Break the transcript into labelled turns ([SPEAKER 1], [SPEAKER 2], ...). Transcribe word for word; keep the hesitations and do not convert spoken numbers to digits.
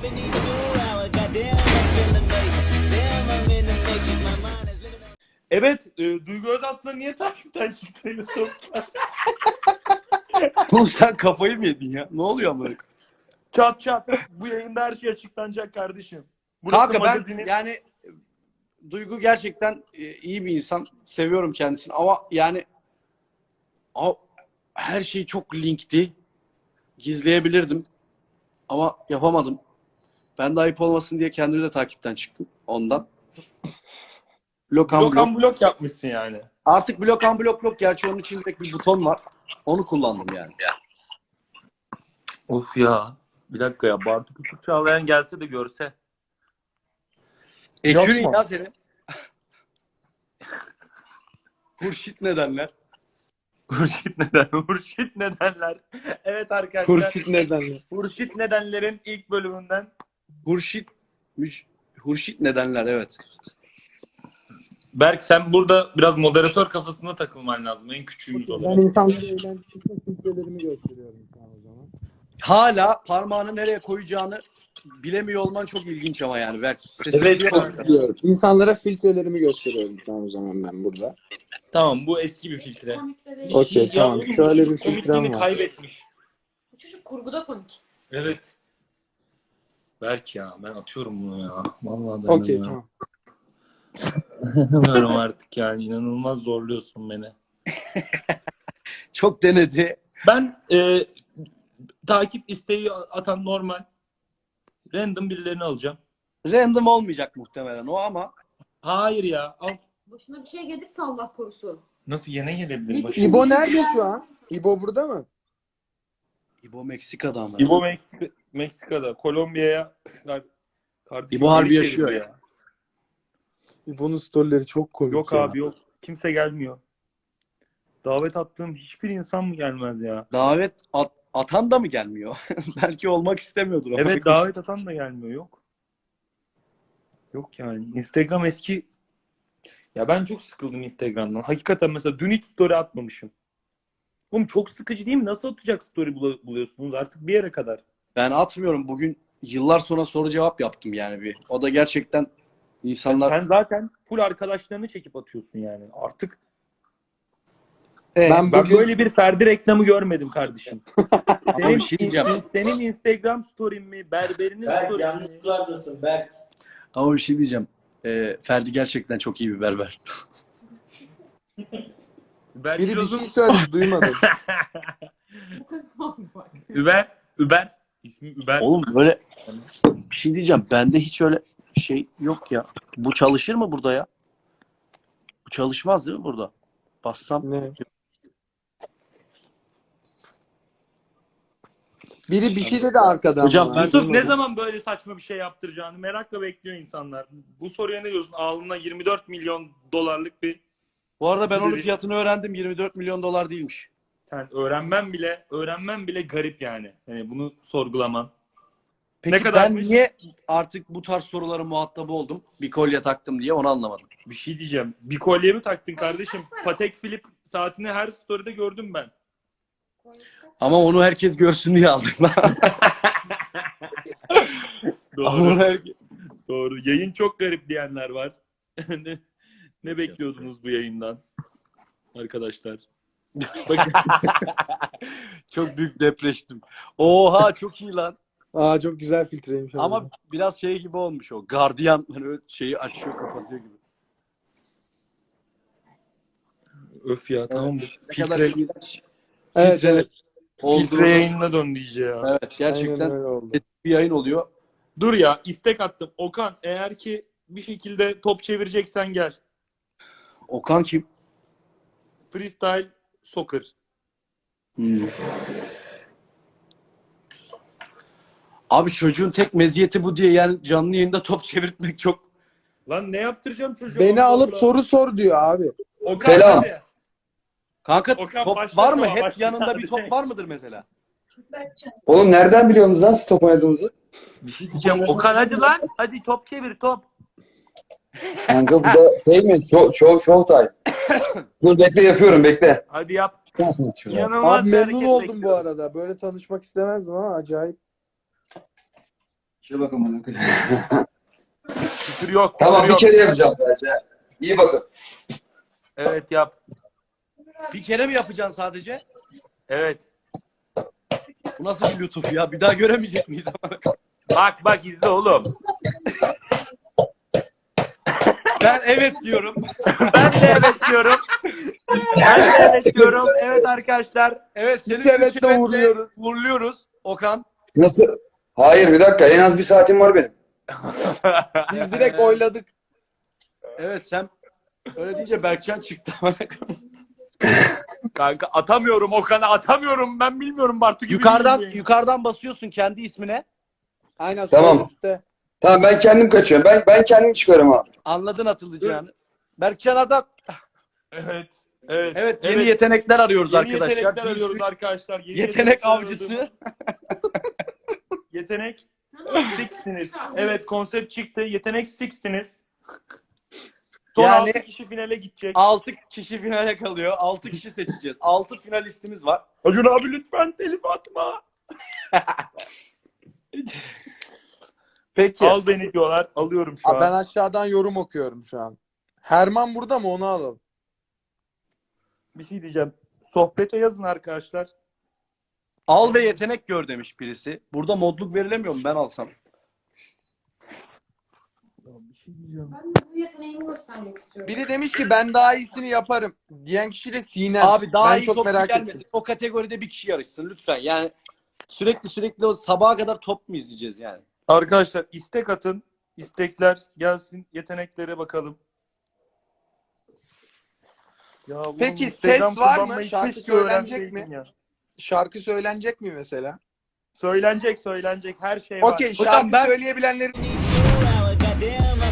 [SPEAKER 1] Evet, e, Duygu Özaslan'ı niye takipten çıktığını sordular.
[SPEAKER 2] Oğlum sen kafayı mı yedin ya? Ne oluyor amına?
[SPEAKER 1] Çat çat. Bu yayında her şey açıklanacak kardeşim. Burası
[SPEAKER 2] Kanka ben
[SPEAKER 1] magazinin...
[SPEAKER 2] yani Duygu gerçekten e, iyi bir insan. Seviyorum kendisini ama yani a- her şey çok linkti. Gizleyebilirdim. Ama yapamadım. Ben de ayıp olmasın diye kendimi de takipten çıktım ondan. Blok
[SPEAKER 1] Blok
[SPEAKER 2] blok.
[SPEAKER 1] blok yapmışsın yani.
[SPEAKER 2] Artık blok blok blok. Gerçi onun içinde bir buton var. Onu kullandım yani.
[SPEAKER 1] Of ya. Bir dakika ya. Bartu Küçük Çağlayan gelse de görse.
[SPEAKER 2] Ekürün
[SPEAKER 1] Yok mu?
[SPEAKER 2] ya senin. Hurşit nedenler?
[SPEAKER 1] Hurşit neden? Hurşit nedenler. Evet arkadaşlar.
[SPEAKER 3] Hurşit nedenler.
[SPEAKER 1] Hurşit nedenlerin ilk bölümünden.
[SPEAKER 2] Hurşit müş, Hurşit nedenler evet.
[SPEAKER 1] Berk sen burada biraz moderatör kafasına takılman lazım. En küçüğümüz
[SPEAKER 3] Ben
[SPEAKER 1] olarak.
[SPEAKER 3] insanlara eğlence için filtrelerimi gösteriyorum sana o zaman.
[SPEAKER 2] Hala parmağını nereye koyacağını bilemiyor olman çok ilginç ama yani Berk. Sesini
[SPEAKER 1] Evet,
[SPEAKER 2] duyamazsın.
[SPEAKER 1] çok-
[SPEAKER 3] Diyorum. İnsanlara filtrelerimi gösteriyorum sana o zaman ben burada.
[SPEAKER 1] Tamam bu eski bir filtre.
[SPEAKER 3] Okey,
[SPEAKER 1] Ya
[SPEAKER 3] tamam.
[SPEAKER 1] oğlum,
[SPEAKER 3] Şöyle
[SPEAKER 1] bu
[SPEAKER 3] bir
[SPEAKER 1] çocuk
[SPEAKER 3] filtrem
[SPEAKER 1] komikliğini
[SPEAKER 3] var.
[SPEAKER 1] kaybetmiş.
[SPEAKER 4] Bu çocuk kurguda komik.
[SPEAKER 1] Evet. Berk ya ben atıyorum bunu ya. Vallahi
[SPEAKER 3] Okey,
[SPEAKER 1] dayanamıyorum.
[SPEAKER 3] tamam.
[SPEAKER 1] Dayanamıyorum artık yani. İnanılmaz zorluyorsun beni.
[SPEAKER 2] Çok denedi.
[SPEAKER 1] Ben e, takip isteği atan normal. Random birilerini alacağım.
[SPEAKER 2] Random olmayacak muhtemelen o ama
[SPEAKER 1] Hayır ya. Al.
[SPEAKER 4] Başına bir şey gelirse Allah korusun.
[SPEAKER 1] Nasıl yine gelebilir başıma?
[SPEAKER 3] İbo nerede şu an? İbo burada mı?
[SPEAKER 2] İbo Meksika'da ama.
[SPEAKER 1] İbo Meksika, Meksika'da. Kolombiya'ya kardeşim
[SPEAKER 2] İbo harbi
[SPEAKER 1] geri
[SPEAKER 2] yaşıyor
[SPEAKER 1] çeviriyor
[SPEAKER 2] ya.
[SPEAKER 3] İbo'nun storyleri çok komik
[SPEAKER 1] Yok
[SPEAKER 3] ya.
[SPEAKER 1] abi yok. Kimse gelmiyor. Davet attığım hiçbir insan mı gelmez ya?
[SPEAKER 2] Davet at- atan da mı gelmiyor? Belki olmak istemiyordur ama.
[SPEAKER 1] Evet davet atan da gelmiyor. Yok. Yok yani. Instagram eski. Ya ben çok sıkıldım Instagram'dan. Hakikaten mesela dün hiç story atmamışım. Oğlum çok sıkıcı değil mi? Nasıl atacak story bul- buluyorsunuz artık bir yere kadar?
[SPEAKER 2] Ben atmıyorum. Bugün yıllar sonra soru cevap yaptım yani bir. O da gerçekten insanlar...
[SPEAKER 1] Sen zaten full arkadaşlarını çekip atıyorsun yani. Artık
[SPEAKER 2] Ee,
[SPEAKER 3] Ben
[SPEAKER 1] ben
[SPEAKER 3] bugün
[SPEAKER 1] böyle bir Ferdi reklamı görmedim kardeşim.
[SPEAKER 2] Ama
[SPEAKER 1] Senin,
[SPEAKER 2] bir şey diyeceğim.
[SPEAKER 1] senin Instagram story'in mi? Berberinin
[SPEAKER 5] Berk
[SPEAKER 1] story'in mi?
[SPEAKER 5] yanlışlardasın Berk.
[SPEAKER 2] Ama bir şey diyeceğim. Ee, Ferdi gerçekten çok iyi bir berber.
[SPEAKER 1] Uber
[SPEAKER 3] biri bir
[SPEAKER 1] Kiloz'un-
[SPEAKER 3] şey söyledi duymadım.
[SPEAKER 4] Bu kadar oldu bak.
[SPEAKER 1] Uber, Uber. İsmi Uber.
[SPEAKER 2] Oğlum böyle bir şey diyeceğim. Bende hiç öyle şey yok ya. Bu çalışır mı burada ya? Bu çalışmaz değil mi burada? Bassam.
[SPEAKER 3] Ne? Biri bir şey dedi arkadan.
[SPEAKER 2] Hocam
[SPEAKER 3] bana.
[SPEAKER 2] ben-
[SPEAKER 1] Yusuf ne
[SPEAKER 3] Duymadım.
[SPEAKER 1] zaman böyle saçma bir şey yaptıracağını merakla bekliyor insanlar. Bu soruya ne diyorsun? Alnına yirmi dört milyon dolarlık bir
[SPEAKER 2] Bu arada ben onun
[SPEAKER 1] Biri-
[SPEAKER 2] fiyatını öğrendim. yirmi dört milyon dolar değilmiş.
[SPEAKER 1] sen öğrenmen bile öğrenmen bile garip yani. Hani bunu sorgulaman.
[SPEAKER 2] Peki
[SPEAKER 1] Ne
[SPEAKER 2] ben
[SPEAKER 1] kadarmış?
[SPEAKER 2] niye artık bu tarz soruların muhatabı oldum? Bir kolye taktım diye onu anlamadım.
[SPEAKER 1] Bir şey diyeceğim. Bir kolye mi taktın kardeşim? Patek Philippe saatini her story'de gördüm ben.
[SPEAKER 2] Ama onu herkes görsün diye aldım. Ama onu
[SPEAKER 1] Doğru.
[SPEAKER 2] herkes...
[SPEAKER 1] Doğru. Yayın çok garip diyenler var. ne, ne bekliyordunuz bu yayından? Arkadaşlar. Bakın.
[SPEAKER 2] Çok büyük depreştim. Oha çok iyi lan.
[SPEAKER 3] Aa, çok güzel filtreymiş.
[SPEAKER 2] Ama
[SPEAKER 3] harbiden.
[SPEAKER 2] biraz şey gibi olmuş o. Gardiyan hani öyle şeyi açıyor kapatıyor gibi.
[SPEAKER 1] Öf ya tamam.
[SPEAKER 2] Ne kadar
[SPEAKER 1] Filtre,
[SPEAKER 2] iğrenç.
[SPEAKER 3] Evet,
[SPEAKER 2] filtre
[SPEAKER 3] evet.
[SPEAKER 2] oldu.
[SPEAKER 1] filtre yayınına döndü iyice ya.
[SPEAKER 2] Evet
[SPEAKER 3] Aynen
[SPEAKER 2] gerçekten
[SPEAKER 3] öyle oldu.
[SPEAKER 2] bir yayın oluyor.
[SPEAKER 1] Dur ya istek attım. Okan eğer ki bir şekilde top çevireceksen gel.
[SPEAKER 2] Okan kim?
[SPEAKER 1] Freestyle soccer.
[SPEAKER 2] Hmm. Abi çocuğun tek meziyeti bu diye yani canlı yayında top çevirtmek çok...
[SPEAKER 1] Lan ne yaptıracağım çocuğa?
[SPEAKER 3] Beni
[SPEAKER 1] Allah
[SPEAKER 3] alıp
[SPEAKER 1] Allah.
[SPEAKER 3] soru sor diyor abi.
[SPEAKER 1] Okan,
[SPEAKER 5] Selam.
[SPEAKER 1] hadi.
[SPEAKER 2] Kanka
[SPEAKER 1] Okan
[SPEAKER 2] top
[SPEAKER 1] başla
[SPEAKER 2] var mı?
[SPEAKER 1] ama
[SPEAKER 2] Hep
[SPEAKER 1] başla.
[SPEAKER 2] yanında bir top var mıdır mesela?
[SPEAKER 5] Oğlum nereden biliyorsunuz lan siz top oynadığınızı?
[SPEAKER 1] Bir şey diyeceğim. Okan hadi lan. Hadi top çevir top.
[SPEAKER 5] Kanka bu da şey mi? Show, show, show time. Dur bekle yapıyorum bekle.
[SPEAKER 1] Hadi yap.
[SPEAKER 5] Abi
[SPEAKER 1] İnanılmaz
[SPEAKER 3] Abi
[SPEAKER 1] bir
[SPEAKER 3] memnun
[SPEAKER 1] hareket
[SPEAKER 3] oldum bu
[SPEAKER 1] bekliyorum.
[SPEAKER 3] arada. Böyle tanışmak istemezdim ama acayip.
[SPEAKER 5] Şuna bakın bana.
[SPEAKER 1] Küfür yok.
[SPEAKER 5] Tamam
[SPEAKER 1] küfür
[SPEAKER 5] bir
[SPEAKER 1] yok.
[SPEAKER 5] kere yapacağım sadece. İyi bakın.
[SPEAKER 1] Evet yap.
[SPEAKER 2] Bir kere mi yapacaksın sadece?
[SPEAKER 1] Evet.
[SPEAKER 2] Bu nasıl bir lütuf ya? Bir daha göremeyecek miyiz?
[SPEAKER 1] Bak bak izle oğlum.
[SPEAKER 2] Ben evet diyorum.
[SPEAKER 1] Ben de evet diyorum. Ben de evet diyorum. Evet arkadaşlar.
[SPEAKER 2] Evet seni
[SPEAKER 3] Üç evetle
[SPEAKER 2] üç evetle
[SPEAKER 3] uğurluyoruz.
[SPEAKER 2] uğurluyoruz Okan.
[SPEAKER 5] Nasıl? Hayır bir dakika en az bir saatim var benim.
[SPEAKER 3] Biz direkt oyladık.
[SPEAKER 2] Evet sen öyle deyince Berkcan çıktı.
[SPEAKER 1] Kanka atamıyorum Okan'a atamıyorum. Ben bilmiyorum Bartu gibi.
[SPEAKER 2] yukarıdan
[SPEAKER 1] değilim.
[SPEAKER 2] yukarıdan basıyorsun kendi ismine.
[SPEAKER 3] Aynen
[SPEAKER 5] Tamam.
[SPEAKER 3] sol üstte.
[SPEAKER 5] Tamam ben kendim kaçıyorum. Ben ben kendim çıkarım abi.
[SPEAKER 2] Anladın atılacağını. Berkcan adam.
[SPEAKER 1] Evet. Evet.
[SPEAKER 2] Evet yeni yetenekler arıyoruz
[SPEAKER 1] Yeni
[SPEAKER 2] arkadaşlar.
[SPEAKER 1] yetenekler
[SPEAKER 2] Bir
[SPEAKER 1] arıyoruz
[SPEAKER 2] sürü
[SPEAKER 1] arkadaşlar. Yeni
[SPEAKER 2] Yetenek
[SPEAKER 1] yetenekler
[SPEAKER 2] avcısı.
[SPEAKER 1] arıyoruz. Yetenek Six'siniz. Evet konsept çıktı. Yetenek Six'siniz. Son
[SPEAKER 2] Yani-
[SPEAKER 1] altı kişi finale gidecek.
[SPEAKER 2] altı kişi finale kalıyor. altı kişi seçeceğiz. altı finalistimiz var.
[SPEAKER 1] Acun abi lütfen telif atma.
[SPEAKER 3] Peki.
[SPEAKER 1] Al beni diyorlar. Alıyorum şu
[SPEAKER 3] Aa, ben
[SPEAKER 1] an.
[SPEAKER 3] aşağıdan yorum okuyorum şu an. Herman burada mı? Onu alalım.
[SPEAKER 1] Bir şey diyeceğim. Sohbete yazın arkadaşlar.
[SPEAKER 2] Al ve yetenek gör demiş birisi. Burada modluk verilemiyor mu ben alsam?
[SPEAKER 1] Bir şey diyeceğim.
[SPEAKER 4] Ben de bu yeteneğimi göstermek istiyorum.
[SPEAKER 3] Biri demiş ki ben daha iyisini yaparım. Diyen kişi de Sinem.
[SPEAKER 2] Abi daha
[SPEAKER 3] ben
[SPEAKER 2] iyi
[SPEAKER 3] çok
[SPEAKER 2] topçu
[SPEAKER 3] merak
[SPEAKER 2] gelmesin.
[SPEAKER 3] ettim.
[SPEAKER 2] O kategoride bir kişi yarışsın lütfen. Yani sürekli sürekli o sabaha kadar top mu izleyeceğiz yani?
[SPEAKER 1] Arkadaşlar istek atın. İstekler gelsin. Yeteneklere bakalım. Ya oğlum,
[SPEAKER 3] Peki,
[SPEAKER 1] Instagram
[SPEAKER 3] ses var mı?
[SPEAKER 1] kullanmayı
[SPEAKER 3] Şarkı
[SPEAKER 1] keşke
[SPEAKER 3] söylenecek
[SPEAKER 1] öğrenseydim
[SPEAKER 3] mi?
[SPEAKER 1] ya.
[SPEAKER 3] Şarkı söylenecek mi mesela?
[SPEAKER 1] Söylenecek söylenecek her şey var.
[SPEAKER 3] Okey
[SPEAKER 2] Hocam
[SPEAKER 3] şarkı
[SPEAKER 2] ben-
[SPEAKER 3] söyleyebilenleri
[SPEAKER 6] Goddamn